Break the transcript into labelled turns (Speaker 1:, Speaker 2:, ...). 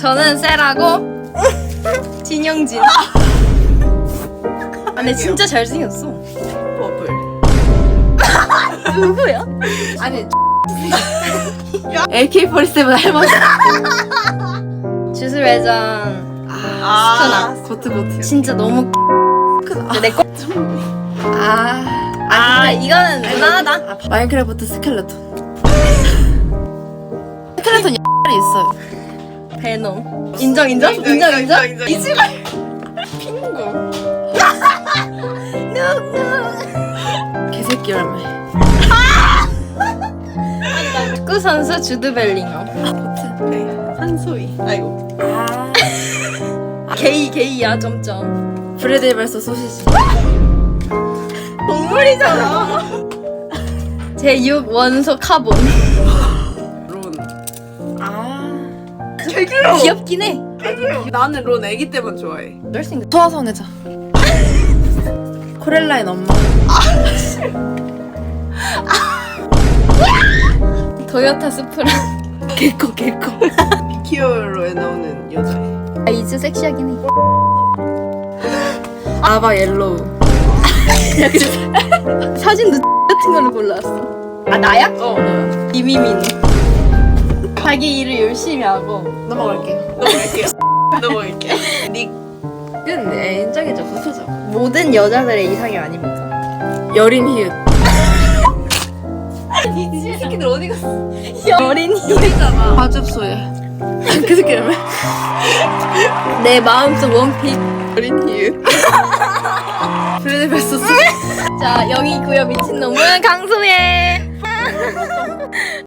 Speaker 1: 저는 셀하고 진영진. 아, 근데 진짜 잘생겼어.
Speaker 2: 버블.
Speaker 1: 누구야?
Speaker 2: 아니 AK47 할머니.
Speaker 1: 주술회전
Speaker 2: 스크나. 고트고트.
Speaker 1: 진짜 너무
Speaker 2: 스크나.
Speaker 1: 내 거. 이거는 무난하다.
Speaker 2: 마인크래프트 스켈레톤. 스켈레톤 X이 있어요.
Speaker 1: 베놈. 인정.
Speaker 2: 이지발. 핑구. 개새끼 열매.
Speaker 1: 축구 선수 주드 벨링엄.
Speaker 2: 고트. 네. 한소희. 아이고.
Speaker 1: 게이야 점점.
Speaker 2: 브레드 발소 소시지.
Speaker 1: 동물이잖아. 제6 원소 카본.
Speaker 2: 론.
Speaker 1: 귀엽긴 해.
Speaker 2: 나는 론 애기 때만 좋아해.
Speaker 1: 잘생겼.
Speaker 2: 소아성애자. 코렐라인 엄마.
Speaker 1: 도요타 수프라.
Speaker 2: 개코. 비키어로에 나오는 여자애.
Speaker 1: 아, 이즈 섹시하긴 해.
Speaker 2: 아바 옐로우.
Speaker 1: 사진도 같은 걸로 골라왔어. 아, 나야?
Speaker 2: 너야.
Speaker 1: 이미민. 자기 일을 열심히 하고.
Speaker 2: 넘어갈게요. 닉은 인정해줘. 붙어줘.
Speaker 1: 모든 여자들의 이상이 아닙니다.
Speaker 2: 여린 히읗.
Speaker 1: 이 새끼들 어디 갔어? 여린이.
Speaker 2: 여리잖아. 과즙소야. 그 새끼 이름을.
Speaker 1: 내 마음속 원픽.
Speaker 2: 여린 히읗. 브레드 발소스.
Speaker 1: 자, 여기고요. 미친놈은 강소혜.